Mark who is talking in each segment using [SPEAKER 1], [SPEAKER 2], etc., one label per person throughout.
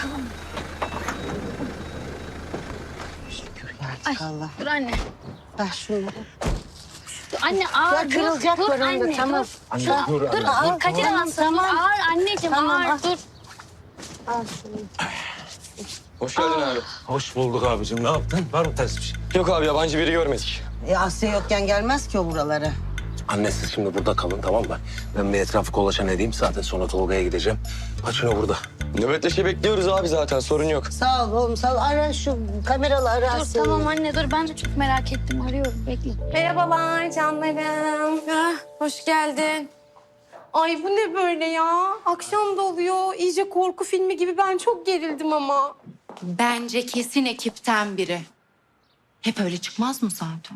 [SPEAKER 1] bakalım.
[SPEAKER 2] Şükür ya
[SPEAKER 1] Ay,
[SPEAKER 2] Allah.
[SPEAKER 1] dur anne.
[SPEAKER 2] Ver şunları.
[SPEAKER 1] Dur anne ağır.
[SPEAKER 2] Ya kırılacak
[SPEAKER 1] dur,
[SPEAKER 2] bölümde,
[SPEAKER 1] anne,
[SPEAKER 2] tamam.
[SPEAKER 1] Dur,
[SPEAKER 3] Anne,
[SPEAKER 1] Şuna-
[SPEAKER 3] dur,
[SPEAKER 1] dur,
[SPEAKER 3] anne, dur,
[SPEAKER 1] Kadir
[SPEAKER 2] tamam,
[SPEAKER 1] alsın.
[SPEAKER 2] tamam.
[SPEAKER 1] Ağır anneciğim
[SPEAKER 2] Tamam,
[SPEAKER 1] ağır
[SPEAKER 2] al.
[SPEAKER 1] dur.
[SPEAKER 2] Al şunu.
[SPEAKER 3] Hoş geldin abi.
[SPEAKER 4] Hoş bulduk abicim. Ne yaptın? Var mı ters bir şey?
[SPEAKER 3] Yok abi yabancı biri görmedik.
[SPEAKER 2] Asya yokken gelmez ki o buralara.
[SPEAKER 4] Anne siz şimdi burada kalın, tamam mı? Ben bir etrafı kolaçan edeyim. Zaten sonra Tolga'ya gideceğim. Paçino burada.
[SPEAKER 3] Nöbetleşe bekliyoruz abi zaten sorun yok.
[SPEAKER 2] Sağ ol oğlum sağ ol. Ara şu kameralı ara
[SPEAKER 1] Dur
[SPEAKER 2] Asya'yı.
[SPEAKER 1] tamam anne dur. Ben de çok merak ettim. Arıyorum. Bekle.
[SPEAKER 5] Merhabalar canlarım. Hoş geldin. Ay bu ne böyle ya? Akşam da oluyor. İyice korku filmi gibi. Ben çok gerildim ama.
[SPEAKER 6] Bence kesin ekipten biri. Hep öyle çıkmaz mı zaten?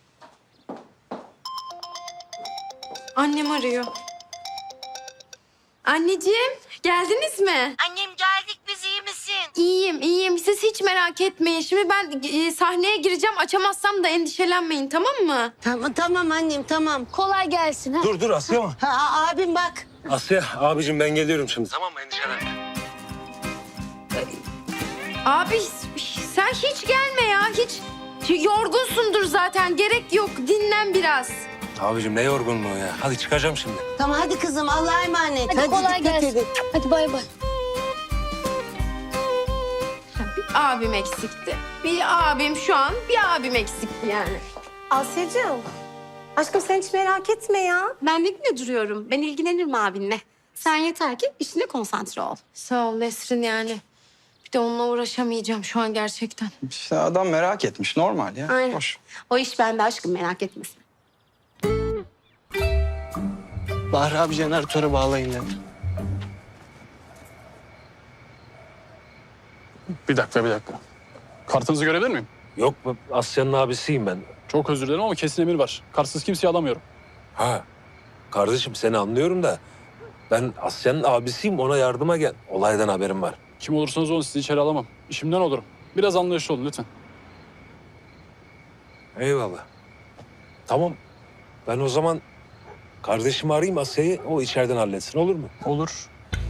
[SPEAKER 5] Annem arıyor. Anneciğim, geldiniz mi?
[SPEAKER 2] Annem geldik biz, iyi misin?
[SPEAKER 5] İyiyim, iyiyim. Siz hiç merak etmeyin. Şimdi ben sahneye gireceğim. Açamazsam da endişelenmeyin, tamam mı?
[SPEAKER 2] Tamam annem tamam.
[SPEAKER 1] Kolay gelsin. Ha?
[SPEAKER 4] Dur Asya mı?
[SPEAKER 2] Abim bak.
[SPEAKER 4] Asya abicim ben geliyorum şimdi. Tamam mı? Endişelenme.
[SPEAKER 5] Abi sen hiç gelme ya. Hiç yorgunsundur zaten. Gerek yok. Dinlen biraz.
[SPEAKER 4] Abicim ne yorgunluğu ya. Hadi çıkacağım şimdi.
[SPEAKER 2] Tamam hadi kızım Allah'a emanet.
[SPEAKER 1] Hadi kolay
[SPEAKER 2] dikkat
[SPEAKER 1] gelsin.
[SPEAKER 2] edin.
[SPEAKER 1] Hadi bay bay.
[SPEAKER 5] Bir abim eksikti. Bir abim şu an bir abim eksikti yani. Asya'cığım. Aşkım sen hiç merak etme ya. Ben ne güne duruyorum. Ben ilgilenirim abinle. Sen yeter ki işine konsantre ol. Sağ ol Nesrin yani. Bir de onunla uğraşamayacağım şu an gerçekten.
[SPEAKER 7] İşte adam merak etmiş. Normal ya.
[SPEAKER 5] Aynen.
[SPEAKER 7] Hoş.
[SPEAKER 5] O iş bende aşkım merak etmesin.
[SPEAKER 3] Bahri abi jeneratörü bağlayın dedi.
[SPEAKER 8] Bir dakika. Kartınızı görebilir miyim?
[SPEAKER 4] Yok Asya'nın abisiyim ben.
[SPEAKER 8] Çok özür dilerim ama kesin emir var. Kartsız kimseyi alamıyorum.
[SPEAKER 4] Ha kardeşim seni anlıyorum da ben Asya'nın abisiyim, ona yardıma gel. Olaydan haberim var.
[SPEAKER 8] Kim olursanız olun sizi içeri alamam. İşimden olurum. Biraz anlayışlı olun lütfen.
[SPEAKER 4] Eyvallah. Tamam. Ben o zaman kardeşimi arayayım, Asya'yı o içeriden halletsin, olur mu?
[SPEAKER 8] Olur.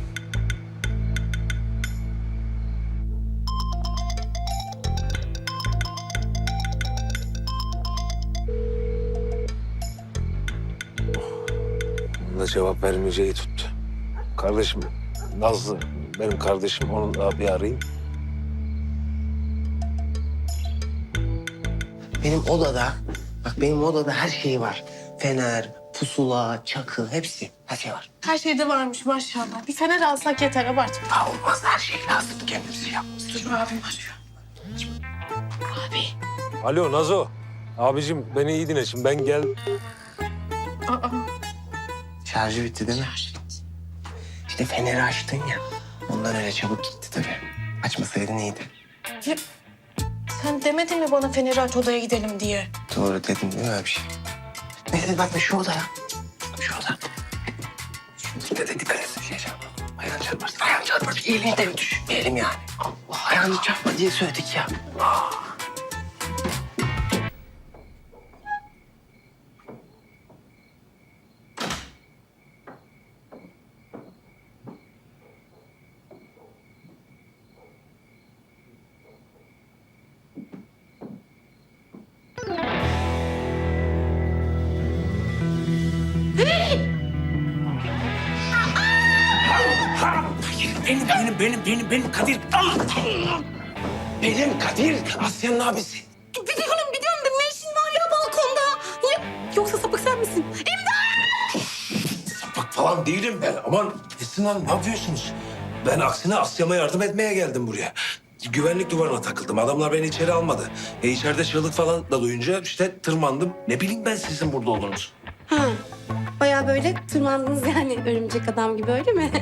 [SPEAKER 4] Onun da cevap vermeyeceği tuttu. Kardeşim Nazlı, benim kardeşim, onu da bir arayayım.
[SPEAKER 9] Benim odada her şey var. Fener, pusula, çakı hepsi. Her şey var.
[SPEAKER 5] Her şeyde varmış maşallah. Bir fener alsak yeter abartma.
[SPEAKER 9] Ha olmaz her şey lazım. Kendimizi yapmamız.
[SPEAKER 5] Dur abim arıyor.
[SPEAKER 4] Alo Nazo. Abicim beni iyi dinle şimdi, ben gel.
[SPEAKER 5] Aa.
[SPEAKER 9] Şarjı bitti değil mi? İşte feneri açtın ya. Ondan öyle çabuk gitti tabii. Açmasaydın iyiydi.
[SPEAKER 5] Sen demedin mi bana feneri aç odaya gidelim diye?
[SPEAKER 9] Doğru dedim değil mi öyle bir şey? Neyse bak şu odaya. Şu oda. Şu dikkat et. Şey çarpma. Ayağını çarparsın. Ayağını çarparsın. Elini de bir düş. Elim yani. Allah ayağını çarpma diye söyledik ya. Benim Kadir. Benim Kadir. Asya'nın abisi.
[SPEAKER 5] Biliyorum da ne işin var ya balkonda? Yoksa sapık sen misin?
[SPEAKER 4] Bak falan değilim ben. Aman Esin Hanım ne yapıyorsunuz? Ben aksine Asya'ma yardım etmeye geldim buraya. Güvenlik duvarına takıldım. Adamlar beni içeri almadı. İçeride çığlık falan da duyunca işte tırmandım. Ne bileyim ben sizin burada olduğunuzu.
[SPEAKER 5] Ha. Bayağı böyle tırmandınız yani örümcek adam gibi öyle mi?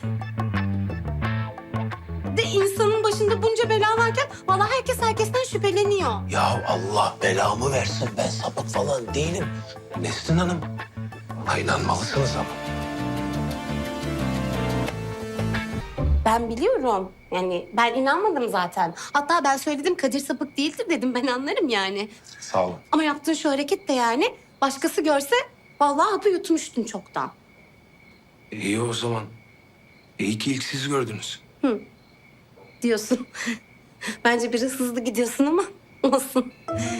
[SPEAKER 5] De insanın başında bunca bela varken vallahi herkes herkesten şüpheleniyor.
[SPEAKER 4] Ya Allah belamı versin, ben sapık falan değilim. Nesrin Hanım, buna inanmalısınız ama.
[SPEAKER 5] Ben biliyorum. Yani ben inanmadım zaten. Hatta ben söyledim Kadir sapık değildir dedim. Ben anlarım yani.
[SPEAKER 4] Sağ olun.
[SPEAKER 5] Ama yaptığın şu hareket de yani başkası görse vallahi hapı yutmuştun çoktan.
[SPEAKER 4] İyi o zaman. İyi ki ilk siz gördünüz.
[SPEAKER 5] diyorsun. Bence biraz hızlı gidiyorsun ama olsun.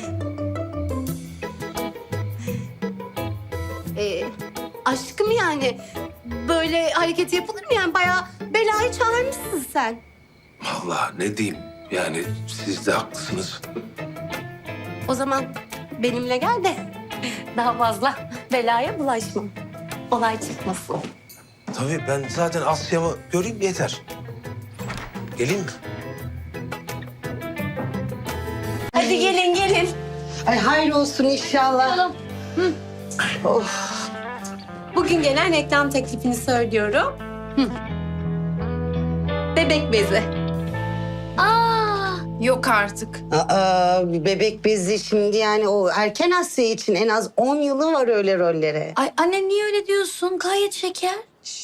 [SPEAKER 5] Aşkım yani böyle hareket yapılır mı yani? Bayağı belayı çağırmışsın sen.
[SPEAKER 4] Vallahi ne diyeyim yani siz de haklısınız.
[SPEAKER 5] O zaman benimle gel de daha fazla belaya bulaşmam. Olay çıkmasın.
[SPEAKER 4] Tabii ben zaten Asya'mı göreyim yeter. Geleyim mi?
[SPEAKER 5] Hadi gelin gelin.
[SPEAKER 2] Ay hayır olsun inşallah.
[SPEAKER 5] Bugün gelen reklam teklifini söylüyorum. Bebek bezi.
[SPEAKER 6] Yok artık.
[SPEAKER 2] Bir bebek bezi şimdi yani o erken Asya için en az 10 yılı var öyle rollere.
[SPEAKER 1] Ay anne niye öyle diyorsun? Gayet şeker.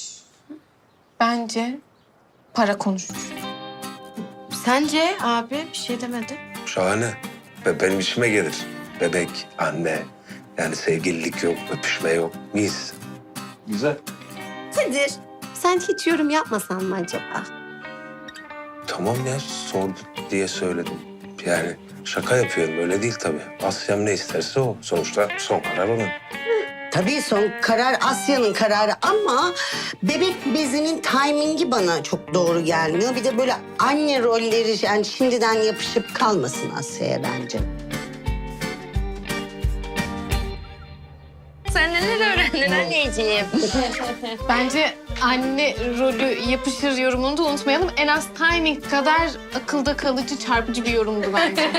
[SPEAKER 6] Bence para konuşur. Sence abi bir şey demedi.
[SPEAKER 4] Şahane. Benim işime gelir. Bebek, anne. Yani sevgililik yok, öpüşme yok. Mis. Güzel.
[SPEAKER 5] Kadir, sen hiç yorum yapmasan mı acaba?
[SPEAKER 4] Tamam ya sordu diye söyledim. Yani şaka yapıyorum öyle değil tabii. Asya'm ne isterse o. Sonuçta son karar onun.
[SPEAKER 2] Tabii son karar Asya'nın kararı ama bebek bezinin timingi bana çok doğru gelmiyor. Bir de böyle anne rolleri yani şimdiden yapışıp kalmasın Asya'ya bence.
[SPEAKER 1] Sen neler öğrendin anneciğim?
[SPEAKER 10] Bence anne rolü yapışır yorumunu da unutmayalım. En az timing kadar akılda kalıcı, çarpıcı bir yorumdu bence.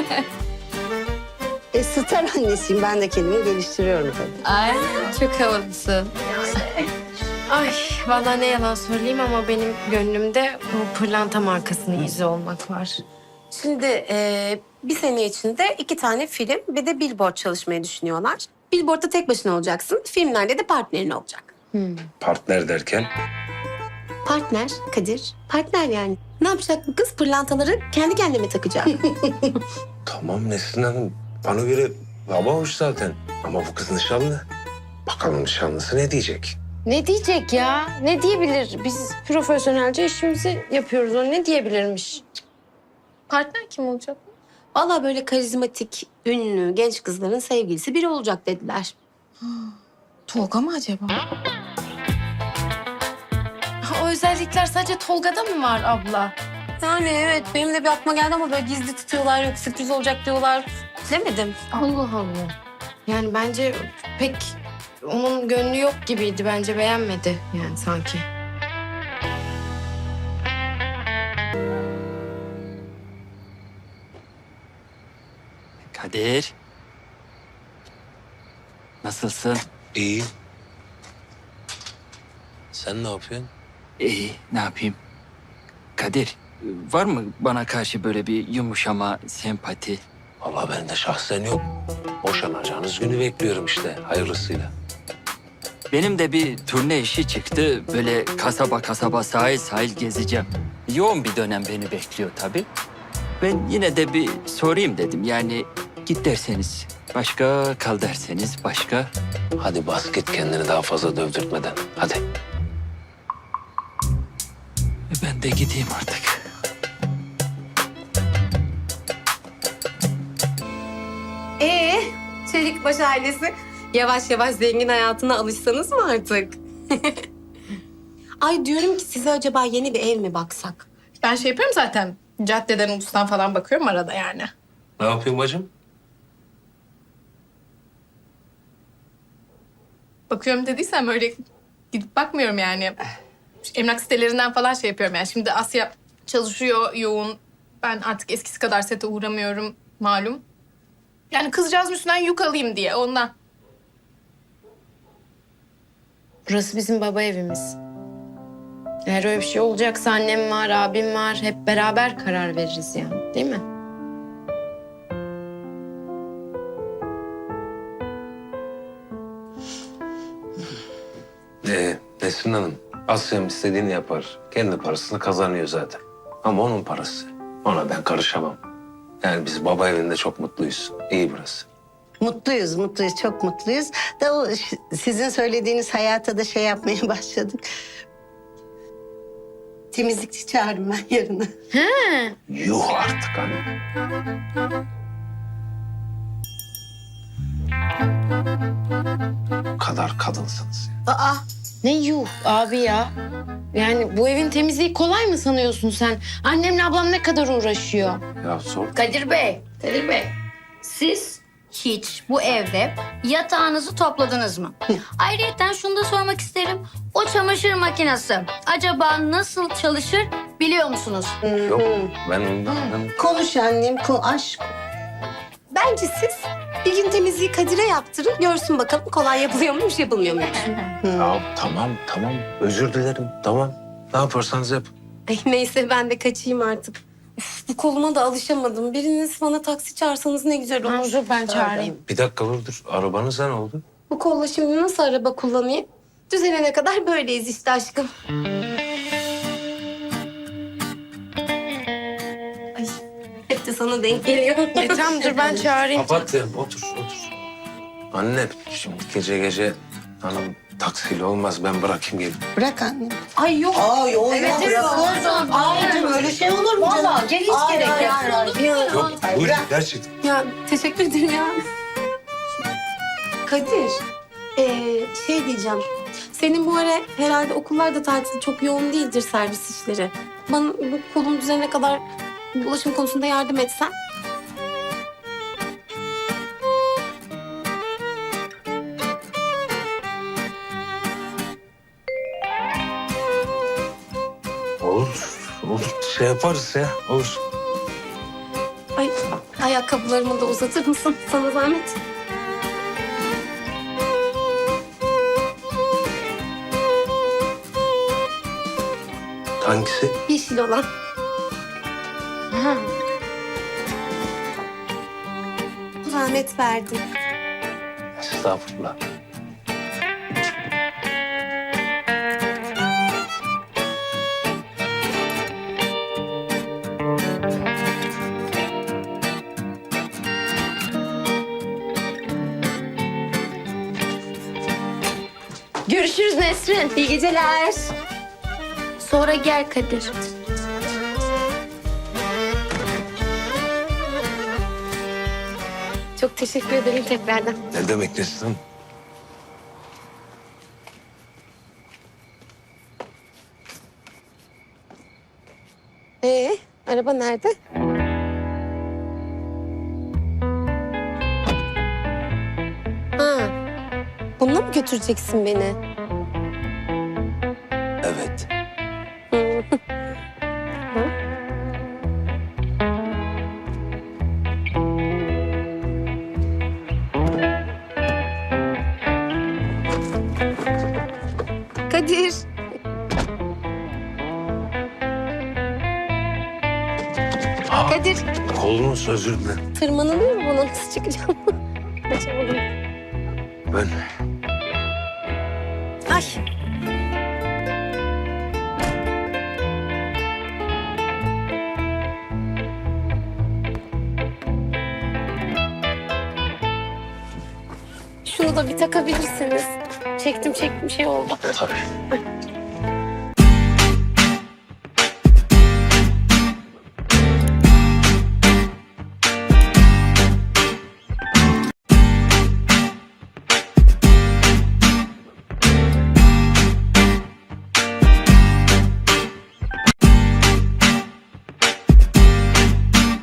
[SPEAKER 2] Star annesiyim ben de kendimi geliştiriyorum tabii.
[SPEAKER 5] Ay, çok havalısın. Ay, vallahi ne yalan söyleyeyim ama benim gönlümde bu pırlanta markasının izi olmak var. Şimdi bir sene içinde 2 tane film bir de billboard çalışmayı düşünüyorlar. Billboard'da tek başına olacaksın, filmlerde de partnerin olacak.
[SPEAKER 4] Partner derken
[SPEAKER 5] Partner Kadir, partner yani. Ne yapacak bu kız? Pırlantaları kendi kendine takacak.
[SPEAKER 4] tamam Nesrin Hanım. Bana göre baba hoş zaten. Ama bu kız nişanlı. Bakalım nişanlısı ne diyecek?
[SPEAKER 10] Ne diyecek ya? Ne diyebilir? Biz profesyonelce işimizi yapıyoruz. O ne diyebilirmiş? Partner kim olacak?
[SPEAKER 5] Vallahi böyle karizmatik, ünlü, genç kızların sevgilisi biri olacak dediler.
[SPEAKER 6] Tolga mı acaba? O özellikler sadece Tolga'da mı var abla?
[SPEAKER 5] Yani evet, benim de bir aklıma geldi ama böyle gizli tutuyorlar, yok sürpriz olacak diyorlar. Bilemedim.
[SPEAKER 10] Allah Allah.
[SPEAKER 5] Yani bence
[SPEAKER 6] Pek onun gönlü yok gibiydi. Bence beğenmedi yani sanki.
[SPEAKER 11] Kadir. Nasılsın?
[SPEAKER 4] İyi. Sen ne yapıyorsun?
[SPEAKER 11] İyi, ne yapayım? Kadir, var mı bana karşı böyle bir yumuşama, sempati?
[SPEAKER 4] Vallahi bende şahsen yok. Boşanacağınız günü bekliyorum işte hayırlısıyla.
[SPEAKER 11] Benim de bir turne işi çıktı. Böyle kasaba kasaba, sahil sahil gezeceğim. Yoğun bir dönem beni bekliyor tabii. Ben yine de bir sorayım dedim. Yani git derseniz başka, kal derseniz başka.
[SPEAKER 4] Hadi bas git kendini daha fazla dövdürtmeden. Hadi.
[SPEAKER 11] Ben de gideyim artık.
[SPEAKER 5] Çelikbaş ailesi yavaş yavaş zengin hayatına alışsanız mı artık? Ay diyorum ki size acaba yeni bir ev mi baksak?
[SPEAKER 10] Ben şey yapıyorum zaten. Caddeden, ulustan falan bakıyorum arada yani.
[SPEAKER 4] Ne yapıyorsun bacım?
[SPEAKER 10] Bakıyorum dediysem öyle gidip bakmıyorum yani. Emlak sitelerinden falan şey yapıyorum yani. Şimdi Asya çalışıyor yoğun. Ben artık eskisi kadar sete uğramıyorum malum. Yani kızcağızın üstünden yük alayım diye ondan.
[SPEAKER 6] Burası bizim baba evimiz. Eğer öyle bir şey olacaksa annem var, abim var. Hep beraber karar veririz yani. Değil mi?
[SPEAKER 4] Nesrin Hanım, Asya'm istediğini yapar. Kendi parasını kazanıyor zaten. Ama onun parası. Ona ben karışamam. Yani biz baba evinde çok mutluyuz. İyi burası.
[SPEAKER 2] Mutluyuz, mutluyuz, çok mutluyuz. Da o sizin söylediğiniz hayata da şey yapmaya başladık. Temizlikçi çağırdım ben yarına.
[SPEAKER 4] Yuh artık anne. Bu kadar kadınsınız ya.
[SPEAKER 6] Aa, ne yuh abi ya. Yani bu evin temizliği kolay mı sanıyorsun sen? Annemle ablam ne kadar uğraşıyor.
[SPEAKER 4] Ya sor.
[SPEAKER 1] Kadir Bey, siz hiç bu evde yatağınızı topladınız mı? Ayrıca şunu da sormak isterim. O çamaşır makinesi acaba nasıl çalışır biliyor musunuz?
[SPEAKER 4] Yok ben ondan...
[SPEAKER 2] Konuş annem, aşk.
[SPEAKER 5] Bence siz bir gün temizliği Kadir'e yaptırın. Görsün bakalım kolay yapılıyor muymuş, yapılmıyor muymuş.
[SPEAKER 4] Ya tamam özür dilerim tamam. Ne yaparsanız yapın.
[SPEAKER 5] Ay, neyse ben de kaçayım artık. Üf, bu koluma da alışamadım. Biriniz bana taksi çağırsanız ne güzel olur.
[SPEAKER 6] Dur ben çağırayım.
[SPEAKER 4] Bir dakika dur. Arabanız ne oldu?
[SPEAKER 5] Bu kolla şimdi nasıl araba kullanayım? Düzelene kadar böyleyiz işte aşkım. Ay, hep de sana denk geliyor.
[SPEAKER 6] Tamam dur ben çağırayım.
[SPEAKER 4] Kapat ya otur. Anne şimdi gece hanım taksiyle olmaz ben bırakayım gelin.
[SPEAKER 2] Bırak annem.
[SPEAKER 5] Ay yok.
[SPEAKER 2] Ay o
[SPEAKER 1] Evet,
[SPEAKER 2] bırakırsın. Anneciğim öyle şey olur mu canım?
[SPEAKER 1] Vallahi gel, hiç gerek yok.
[SPEAKER 4] Yok buyurun gerçekten.
[SPEAKER 5] Ya teşekkür ederim ya. Kadir, şey diyeceğim. Senin bu ara herhalde okullarda tatil çok yoğun değildir servis işleri. Bana bu kolum düzenine kadar ulaşım konusunda yardım etsen.
[SPEAKER 4] Olur şey yaparız ya olur.
[SPEAKER 5] Ay, ayakkabılarımı da uzatır mısın? Sana zahmet.
[SPEAKER 4] Hangisi?
[SPEAKER 5] Yeşil olan. Zahmet verdim.
[SPEAKER 4] Estağfurullah.
[SPEAKER 6] Görüşürüz Nesrin.
[SPEAKER 5] İyi geceler.
[SPEAKER 1] Sonra gel Kadir.
[SPEAKER 5] Çok teşekkür ederim tekrardan.
[SPEAKER 4] Ne demek Nesrin?
[SPEAKER 5] Araba nerede? Ha, bununla mı götüreceksin beni?
[SPEAKER 4] Evet.
[SPEAKER 5] Kadir. Kadir.
[SPEAKER 4] Kolunuz özür dilerim.
[SPEAKER 5] Tırmanılıyor mu buna? Nasıl çıkacağım? Kaçamadım.
[SPEAKER 4] Ben
[SPEAKER 5] Ay. Şunu da bir takabilirsiniz. Çektim şey oldu.
[SPEAKER 4] tabii.